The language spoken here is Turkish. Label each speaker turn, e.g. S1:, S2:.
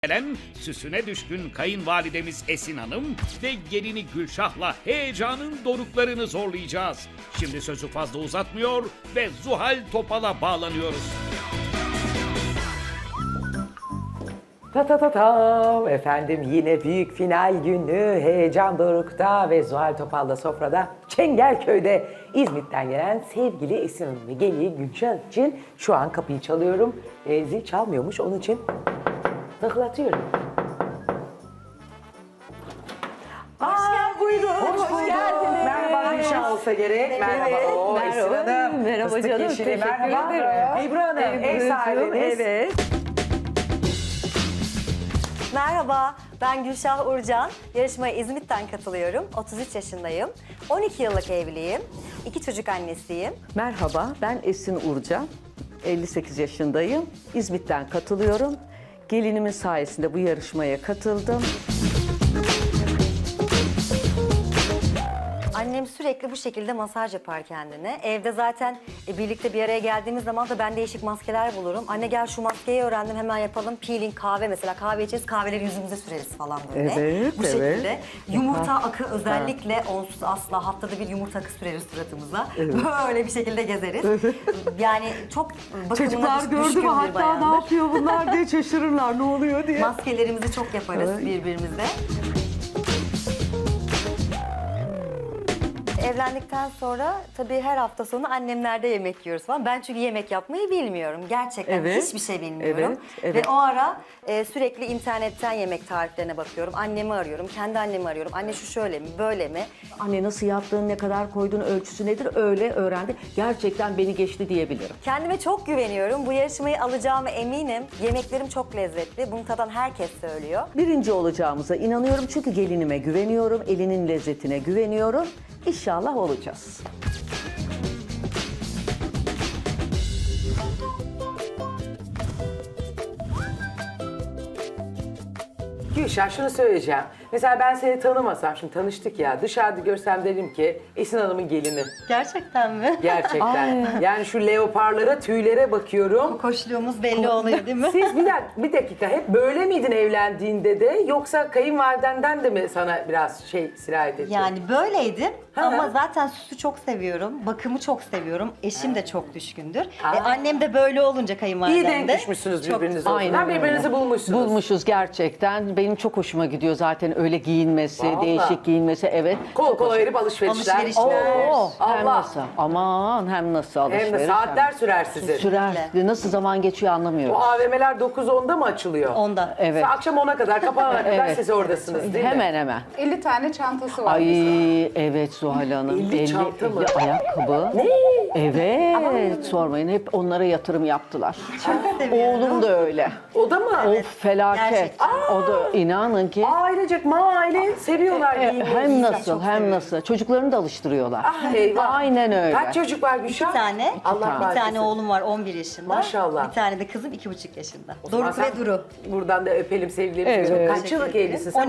S1: Gelen süsüne düşkün kayınvalidemiz Esin Hanım ve gelini Gülşah'la heyecanın doruklarını zorlayacağız. Şimdi sözü fazla uzatmıyor ve Zuhal Topal'a bağlanıyoruz.
S2: Ta ta ta ta. Efendim yine büyük final günü heyecan dorukta ve Zuhal Topal'da sofrada Çengelköy'de İzmit'ten gelen sevgili Esin Hanım ve gelini Gülşah için şu an kapıyı çalıyorum. Zil çalmıyormuş onun için tıklatıyorum. Buyurun. Hoş geldiniz. Merhaba Gülşah olsa gerek. Merhaba. Oo, Esin Hanım.
S3: Merhaba
S2: Fıstık
S3: canım,
S2: yeşili.
S3: teşekkür
S2: Merhaba.
S3: ederim.
S2: Ebru Hanım, ev sahibimiz.
S3: Evet.
S4: Merhaba, ben Gülşah Urcan. Yarışmaya İzmit'ten katılıyorum. 33 yaşındayım. 12 yıllık evliyim. 2 çocuk annesiyim.
S3: Merhaba, ben Esin Urcan. 58 yaşındayım. İzmit'ten katılıyorum. Gelinimin sayesinde bu yarışmaya katıldım.
S4: Annem sürekli bu şekilde masaj yapar kendine. Evde zaten birlikte bir araya geldiğimiz zaman da ben değişik maskeler bulurum. Anne gel şu maskeyi öğrendim hemen yapalım. Peeling kahve mesela kahve içeriz kahveleri yüzümüze süreriz falan böyle.
S3: Evet,
S4: Bu
S3: evet.
S4: şekilde. Yumurta akı özellikle onsuz asla haftada bir yumurta akı süreriz suratımıza. Böyle bir şekilde gezeriz. Yani çok bakımına
S3: Çocuklar gördü
S4: düşkün
S3: mü
S4: bir
S3: hatta
S4: bayandır.
S3: ne yapıyor bunlar diye şaşırırlar ne oluyor diye.
S4: Maskelerimizi çok yaparız birbirimize. Evlendikten sonra tabii her hafta sonu annemlerde yemek yiyoruz falan. Ben çünkü yemek yapmayı bilmiyorum. Gerçekten
S3: Evet,
S4: hiçbir şey bilmiyorum.
S3: evet.
S4: Ve o ara sürekli internetten yemek tariflerine bakıyorum. Annemi arıyorum, kendi annemi arıyorum. Anne şu şöyle mi, böyle mi?
S3: Anne nasıl yaptığını, ne kadar koyduğunu, ölçüsü nedir öyle öğrendi. Gerçekten beni geçti diyebilirim.
S4: Kendime çok güveniyorum. Bu yarışmayı alacağıma eminim. Yemeklerim çok lezzetli. Bunu tadan herkes söylüyor.
S3: Birinci olacağımıza inanıyorum çünkü gelinime güveniyorum, elinin lezzetine güveniyorum. İnşallah olacağız.
S2: Gülşah şunu söyleyeceğim. Mesela ben seni tanımasam, şimdi tanıştık ya, dışarıda görsem derim ki Esin Hanım'ın gelini.
S4: Gerçekten mi?
S2: Gerçekten. Yani şu leoparlara, tüylere bakıyorum.
S4: Koşluğumuz belli oluyor değil mi?
S2: Siz bir dakika hep böyle miydin evlendiğinde de yoksa kayınvalidenden de mi sana biraz sirayet etti?
S4: Yani böyleydim
S2: Ha.
S4: ama zaten süsü çok seviyorum, bakımı çok seviyorum. Eşim de çok düşkündür.
S2: Aa.
S4: Annem de böyle olunca kayınvalidem
S2: İyi denk
S4: de.
S2: düşmüşsünüz
S4: çok-
S2: birbirinize. o
S3: Aynen
S2: zaman.
S3: öyle.
S2: Birbirinizi bulmuşsunuz.
S3: Bulmuşuz gerçekten. Benim çok hoşuma gidiyor zaten öyle giyinmesi,
S2: Vallahi.
S3: değişik giyinmesi evet.
S2: Kol kola verip alışverişler.
S4: Alışverişler.
S3: Oo, hem
S2: Allah.
S3: nasıl? Aman hem nasıl alışveriş.
S2: Hem de saatler sürer sizin.
S3: Sürer. Nasıl zaman geçiyor anlamıyoruz.
S2: Bu AVM'ler 9-10'da mı açılıyor?
S4: Onda.
S3: Evet.
S2: Akşam 10'a kadar, kapanana kadar
S3: Evet.
S2: siz oradasınız değil mi?
S3: Hemen hemen.
S5: 50 tane çantası var.
S3: Ay evet Zuhal Hanım.
S2: 50 çanta mı?
S3: 50 ayakkabı.
S2: Ne?
S3: Evet sormayın hep onlara yatırım yaptılar. Oğlum da öyle.
S2: O da mı?
S3: Of felaket.
S4: Gerçekten.
S3: O da inanın ki
S2: Ailecek aile seviyorlar giyinmeyi.
S3: hem nasıl hem nasıl çocuklarını da alıştırıyorlar.
S2: Ah eyvah.
S3: Aynen öyle.
S2: Kaç çocuk var Gülşah?
S4: Bir tane.
S2: Allah
S4: Bir
S2: bağışlasın.
S4: tane oğlum var 11 yaşında.
S2: Maşallah.
S4: Bir tane de kızım 2,5 yaşında.
S2: O zaman
S4: Doruk
S2: sen-
S4: ve Duru.
S2: Buradan da öpelim sevgilerimizi.
S3: Evet.
S2: Kaç yıllık evlisin sen?